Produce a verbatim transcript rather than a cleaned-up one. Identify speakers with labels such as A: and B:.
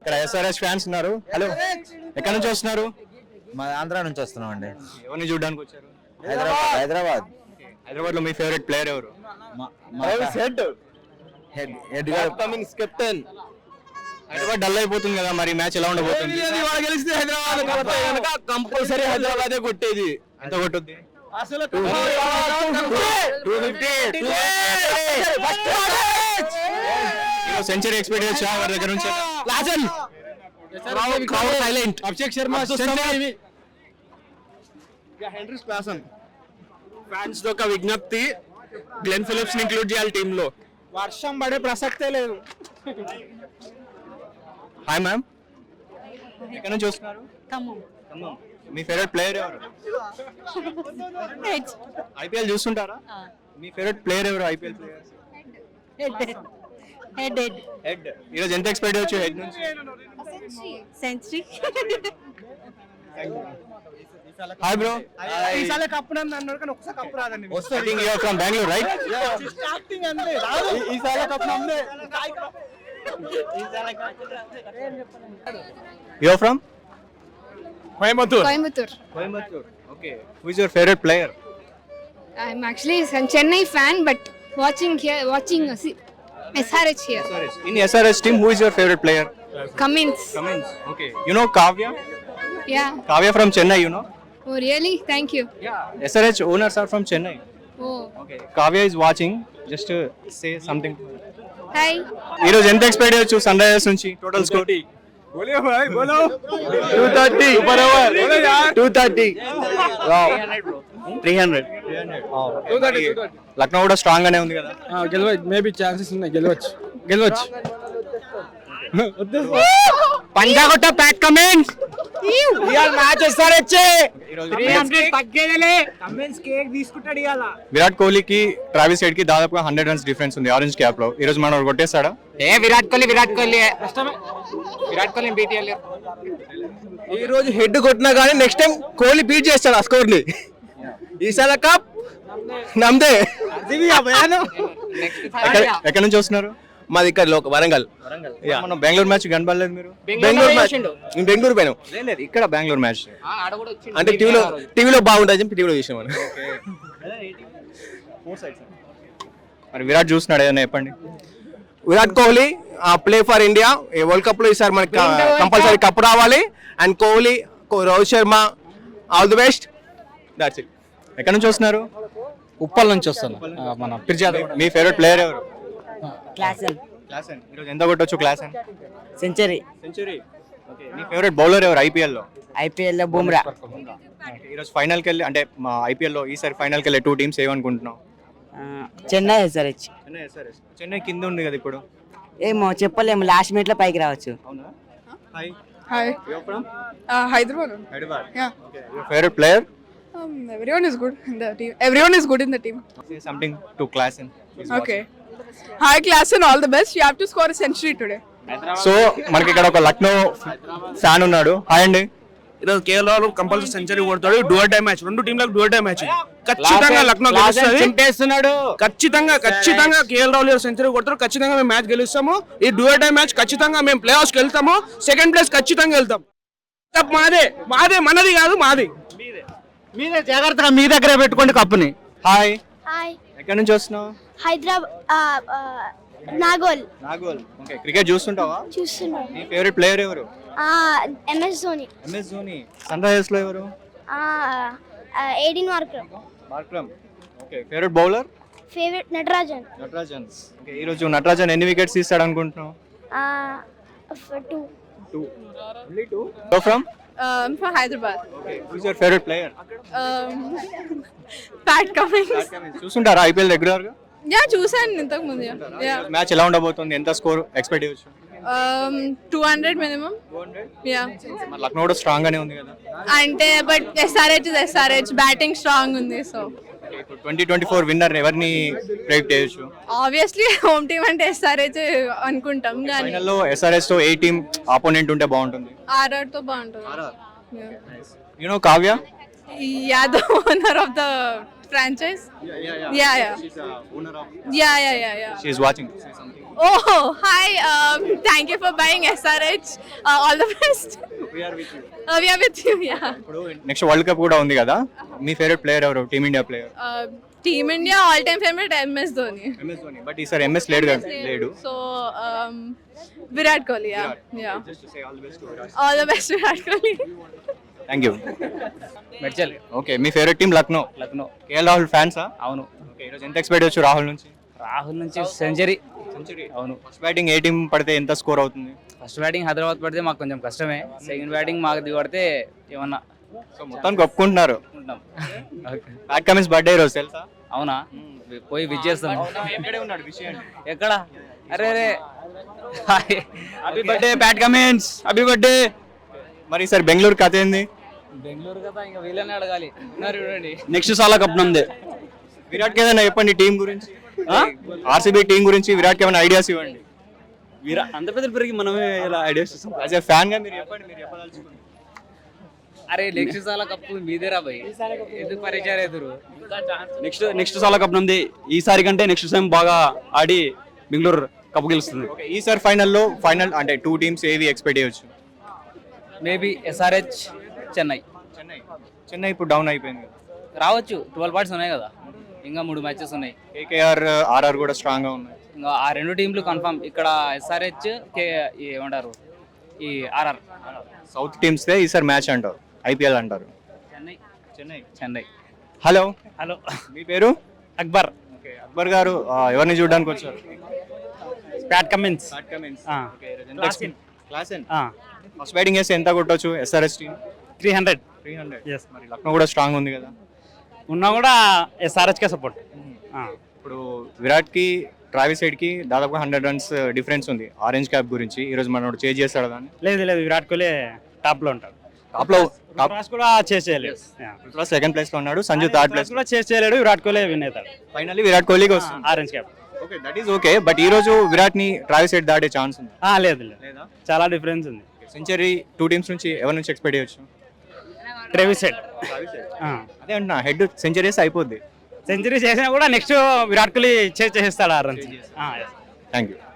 A: ఇక్కడ SRS fans ఉన్నారు. Hello, ఎక్కడి నుంచి వస్తున్నారు?
B: మా ఆంధ్ర నుంచి వస్తున్నాం అండి.
A: ఎవరిని చూడడానికి వచ్చారు?
B: హైదరాబాద్ హైదరాబాద్
A: హైదరాబాద్ లో మీ ఫేవరెట్ ప్లేయర్ ఎవరు?
B: కెప్టెన్.
A: హైదరాబాద్ డల్ అయిపోతుంది కదా, మరి మ్యాచ్ ఎలా ఉండబోతుంది?
B: గెలిస్తే హైదరాబాద్ కంపల్సరీ హైదరాబాదే కొట్టేది.
A: ఎంత కొట్టుద్ది? సెంచరీ ఎక్స్పెక్ట్ చేయొచ్చా వారి దగ్గర నుంచి?
B: సైలెంట్.
A: అభిషేక్ శర్మ
B: ఫ్యాన్స్ తో ఒక విజ్ఞప్తి, గ్లెన్ ఫిలిప్స్ ని ఇంక్లూడ్ చేయాలి టీమ్ లో.
C: వర్షం పడే ప్రసక్తే లేదు.
A: హాయ్ మ్యామ్, ఎక్కడి నుంచి వస్తున్నారు? ఖమ్మం. మీ ఫేవరెట్ ప్లేయర్ ఎవరు? ఐపీఎల్ చూస్తుంటారా? మీ ఫేవరెట్ ప్లేయర్ ఎవరు IPL player?
D: Head Head
A: Head. ఈరోజు ఎంత ఎక్స్పెక్ట్ చేయొచ్చు హెడ్ నుంచి?
D: సెంచరీ.
A: Hi bro.
C: ఈసారి కప్పు అన్నారు కానీ ఒకసారి కప్పు రాదండి.
A: I think you are from Bangalore, right?
C: Starting అంతే రాదు. ఈసారి కప్పు నమ్మే.
A: You are from?
B: Coimbatore.
D: Coimbatore.
A: Coimbatore. Okay. Who is your favorite player?
D: I'm actually a Chennai fan, but watching here, watching uh, see, S R H here.
A: S R H. In S R H team, who is your favorite player?
D: Cummins.
A: Cummins. Okay. You know Kavya?
D: Yeah.
A: Kavya from Chennai, you know?
D: Oh really? Thank you.
A: Yeah. S R H owners are from Chennai.
D: Oh.
A: Okay. Kavya is watching. Just to say something.
D: Hi.
A: ఈరోజు ఎంత expect చేయొచ్చు Sunrisers నుంచి? Total score
B: బోలో భాయ్ బోలో.
A: two thirty.
B: Super over. బోలో యార్.
A: two thirty. Wow. three hundred.
B: two thirty.
A: Lucknow కూడా స్ట్రాంగ్ గానే ఉంది కదా.
C: గెలవచ్చు, మేబీ ఛాన్సెస్ ఉన్నాయి. గెలవచ్చు గెలవచ్చు
A: పంజాగొట్ట Pat Cummins.
C: Real match SRH.
A: Virat కోహ్లీకి ట్రావిస్ హెడ్ కి దాదాపుగా హండ్రెడ్ రన్స్ డిఫరెన్స్ ఉంది ఆరెంజ్ క్యాప్ లో. ఈ రోజు మనం కొట్టేస్తాడా?
C: ఏ విరాట్ కోహ్లీ విరాట్ కోహ్లీ విరాట్ కోహ్లీ బీట్ చేయాలి.
B: ఈ రోజు హెడ్ కొట్టినా కానీ నెక్స్ట్ టైం కోహ్లీ బీట్ చేస్తాడు ఆ స్కోర్ ని. ఈసారి కప్ నమ్దే.
A: ఎక్కడి నుంచి వస్తున్నారు?
B: మాది ఇక్కడ లోక వరంగల్.
A: మనం బెంగళూరు మ్యాచ్ కనబడలేదు మీరు?
B: బెంగళూరు మ్యాచ్ నేను బెంగళూరు పోయాను.
A: లేదు, ఇక్కడ బెంగళూరు మ్యాచ్
B: అంటే టీవీలో టీవీలో బాగుంటుంది టీవీలో చూసాం మనం.
A: మరి విరాట్ చూస్తున్నాడు, ఏదైనా చెప్పండి.
B: Virat Kohli play for India. World cup లో ఈసారి మనకి కంపల్సరీ కప్ రావాలి. And Kohli, Rohit Sharma, all the best. That's it.
A: ఎక్కడి నుంచి వస్తున్నారు?
C: ఉప్పల్ నుంచి వస్తాను. మన పిర్జాద్.
A: మీ ఫేవరెట్ ప్లేయర్ ఎవరు?
E: Klaasen
A: Klaasen. ఈరోజు ఎంత కొట్టొచ్చు క్లాసన్?
E: సెంచరీ.
A: సెంచరీ. ఓకే. మీ ఫేవరెట్ బౌలర్ ఎవరు ఐపీఎల్ లో?
E: ఐపీఎల్ లో బుమ్రా.
A: ఈరోజు ఫైనల్కి వెళ్ళి అంటే మా ఐపీఎల్ లో ఈసారి ఫైనల్కి వెళ్ళే టూ టీమ్స్ ఏమనుకుంటున్నాం?
E: చెన్నై ఎస్ఆర్హెచ్.
A: చెన్నై ఎస్ఆర్హెచ్. చెన్నై కింద ఉంది కదా ఇప్పుడు.
E: ఏమో చెప్పలేము, లాస్ట్ మినిట్ లో పైకి రావచ్చు.
A: అవునా? Hi.
F: Hi.
A: You are from?
F: Uh, Hyderabad.
A: Hyderabad.
F: Yeah.
A: Okay. Your favourite player?
F: Um, everyone is good in the team. Everyone is good in the team.
A: Say something to Klassen.
F: Okay. Hi, class, and all the best. You have to score a century today.
A: So మనకి ఇక్కడ ఒక Lucknow fan ఉన్నాడు. Hi అండి.
G: ఈరోజు KL Rahul compulsory century కొడతాడు. Dual time match, రెండు టీంలకు dual time match. ఖచ్చితంగా లక్నో గెలుస్తుంది. ఖచ్చితంగా ఖచ్చితంగా కేఎల్ రాహుల్ సెంచరీ కొడతాడు. ఖచ్చితంగా మేము మ్యాచ్ గెలుస్తాము. ఈ డ్యూయల్ టైం మ్యాచ్ ఖచ్చితంగా మేము ప్లే ఆఫ్స్కి వెళ్తాము. సెకండ్ ప్లేస్ ఖచ్చితంగా వెళ్తాం. మాదే మాదే మనది కాదు, మాది.
C: మీరే జాగ్రత్తగా మీ దగ్గర పెట్టుకోండి కప్పుని.
A: హాయ్.
H: హాయ్.
A: ఎక్కడి నుంచి వస్తున్నావు?
H: హైదరాబాద్ నాగోల్.
A: నాగోల్. ఓకే. క్రికెట్ చూస్తుంటావా?
H: చూస్తున్నాం.
A: నీ ఫేవరెట్ ప్లేయర్ ఎవరు?
H: MS Dhoni.
A: MS Dhoni. Sunrisers లో ఎవరు?
H: Eighteen Markram.
A: Markram. Okay. Favourite bowler?
H: Favourite Natarajan.
A: Natarajan. Okay. ఈ రోజు నటరాజన్ ఎన్ని వికెట్స్ తీస్తాడు అనుకుంటున్నావు?
H: Two.
A: Two. Only two. So from?
F: Um, from Hyderabad.
A: Okay. Who is your favourite player?
F: Um, Pat Cummins.
A: చూస్తుంటారా IPL regular గా?
F: Yeah, చూసాను ఇంతకు ముందు. Yeah.
A: మ్యాచ్ ఎలా ఉండబోతుంది? ఎంత స్కోర్ ఎక్స్పెక్ట్ చేయొచ్చు?
F: Um, two hundred minimum.
A: two hundred.
F: Yeah.
A: మరి లక్నో కూడా స్ట్రాంగ్ గానే ఉంది కదా.
F: అంటే but SRH is SRH, batting strong ఉంది. So
A: twenty twenty four winner ఎవరిని ప్రెడిక్ట్ చేయొచ్చు?
F: ఆబ్వియస్లీ హోమ్ టీమ్ అంటే ఎస్ఆర్హెచ్ అనుకుంటాం, కానీ
A: ఫైనల్ లో ఎస్ఆర్హెచ్ తో ఏ టీమ్ ఆపోనెంట్ ఉంటే బాగుంటుంది?
F: ఆర్ఆర్ తో బాగుంటుంది.
A: You know Kavya?
F: Yeah, the owner of the franchise.
A: Yeah, yeah, yeah.
F: Yeah, yeah.
A: She's a owner of.
F: Yeah, yeah, yeah, yeah.
A: She is watching. Say something.
F: Oh, hi. Um, Thank you for buying S R H. Uh, all the best.
A: We are with you.
F: Uh, we are with you. Yeah.
A: ఇప్పుడు next world cup కూడా ఉంది కదా, మీ favourite player ఎవరు Team India player?
F: Uh, Team India all-time favorite M S Dhoni.
A: MS Dhoni. But ఈసారి MS లేడు కదా, లేడు.
F: So um, Virat Kohli. Yeah. Yeah.
A: Just to say all the best to Virat.
F: All the best, Virat Kohli.
A: Thank you.
C: Medchal
A: okay, మీ favourite team Lucknow.
C: Lucknow.
A: KL Rahul ఫ్యాన్సా?
C: అవును.
A: Okay, ఈరోజు ఎంత expect చేయొచ్చు రాహుల్ నుంచి?
C: రాహుల్ నుంచి సెంచరీ.
A: సెంచరీ.
C: అవును.
A: ఫస్ట్ బ్యాటింగ్ ఏ టీం పడితే ఎంత స్కోర్ అవుతుంది?
C: ఫస్ట్ బ్యాటింగ్ హైదరాబాద్ పడితే మాకు కొంచెం కష్టమే. సెకండ్ బ్యాటింగ్ మాకు దిగబడితే ఏమన్నా
A: సో మొత్తానికి ఒప్పుకుంటున్నారు.
C: ఉంటాం.
A: ప్యాట్ కమిన్స్ బర్త్డే ఈరోజు తెలుసా?
C: అవునా? పోయి విజ్ చేస్తాం.
A: ఇక్కడే ఉన్నాడు విషయం.
C: ఎక్కడ? అరే అరే happy birthday Pat Cummins, happy birthday.
A: మరి ఈసారి బెంగళూరు కథ ఏంది?
C: బెంగళూరు కదా, ఇంకా వీళ్ళని అడగాలి. ఉన్నారు చూడండి.
A: నెక్స్ట్ సాలా కప్ నందే. విరాట్ కి ఏదైనా చెప్పండి టీం గురించి, ఆర్సీబీ టీం గురించి విరాట్ కి ఏమైనా ఐడియాస్ ఇవ్వండి.
C: వీరా అంత పెద్ద పెరిగి మనమే ఇలా ఐడియాస్ ఇస్తాం.
A: యాజ్ ఎ ఫ్యాన్ గా మీరు చెప్పండి, మీరు చెప్పదలుచుకోండి.
C: అరే నెక్స్ట్ సాల కప్పు మీదేరా భయ్, ఎందుకు పరిచయం ఎదురు?
I: నెక్స్ట్ నెక్స్ట్ సాలా కప్ ఉంది. ఈసారి కంటే నెక్స్ట్ టైం బాగా ఆడి బెంగళూరు కప్పు గెలుస్తుంది.
A: ఓకే, ఈసారి ఫైనల్లో ఫైనల్ అంటే టూ టీమ్స్ ఏవి ఎక్స్పెక్ట్ చేయొచ్చు?
C: Maybe SRH, Chennai.
A: చెన్నై. చెన్నై ఇప్పుడు డౌన్ అయిపోయింది కదా.
C: రావచ్చు, ట్వెల్వ్ పాయింట్స్ ఉన్నాయి కదా, ఇంకా మూడు మ్యాచెస్ ఉన్నాయి.
A: కేకేఆర్ ఆర్ఆర్ కూడా స్ట్రాంగ్ గా ఉన్నాయి.
C: ఇంకా ఆ రెండు టీంలు కన్ఫర్మ్. ఇక్కడ ఎస్ఆర్హెచ్ కే ఏమంటారు ఈ ఆర్ఆర్.
A: సౌత్ టీమ్స్ దే ఈసారి మ్యాచ్ అంటారు, ఐపీఎల్ అంటారు.
C: చెన్నై.
A: చెన్నై.
C: చెన్నై.
A: హలో,
C: హలో,
A: మీ పేరు?
C: అక్బర్.
A: ఓకే, అక్బర్ గారు ఆ, ఎవరిని చూడడానికి వచ్చారు?
C: Pat Cummins.
A: Pat Cummins.
C: ఆ.
A: Okay, class in. First batting చేస్తే ఎంత కొట్టొచ్చు SRS team?
C: Three hundred.
A: Three hundred.
C: Yes.
A: మరి లక్నో కూడా స్ట్రాంగ్ ఉంది కదా.
C: ఉన్నా కూడా ఎస్ఆర్హెచ్కే సపోర్ట్.
A: ఇప్పుడు విరాట్ కి ట్రావిస్ సైడ్ కి దాదాపు హండ్రెడ్ రన్స్ డిఫరెన్స్ ఉంది ఆరెంజ్ క్యాప్ గురించి. ఈ రోజు మనోడు చేంజ్ చేస్తాడు దాన్ని?
C: లేదు లేదు, విరాట్ కోహ్లీ టాప్ లో ఉంటాడు.
A: టాప్ లో టాప్
C: కూడా చేసి చేయలేడు.
A: సెకండ్ ప్లేస్ లో ఉన్నాడు, సంజు థర్డ్ ప్లేస్.
C: కూడా చేసి చేయలేడు, విరాట్ కోహ్లీ విన్ అవుతాడు.
A: ఫైనల్లీ విరాట్ కోహ్లీకి వస్తుంది
C: orange cap.
A: Okay, that is okay. But ఈ రోజు విరాట్ ని ట్రావిస్ సైడ్ దాటే ఛాన్స్ ఉంది?
C: లేదు లేదు,
A: లేదా?
C: చాలా డిఫరెన్స్ ఉంది.
A: సెంచరీ టూ టీమ్స్ నుంచి ఎవరి నుంచి ఎక్స్పెక్ట్ చేయొచ్చు?
C: Travis Head.
A: అదే అంటున్నా, హెడ్ సెంచరీస్ అయిపోద్ది.
C: సెంచరీ చేసినా కూడా నెక్స్ట్ విరాట్ కోహ్లీ చేసి చేసేస్తాడు ఆ రన్స్.
A: Thank you.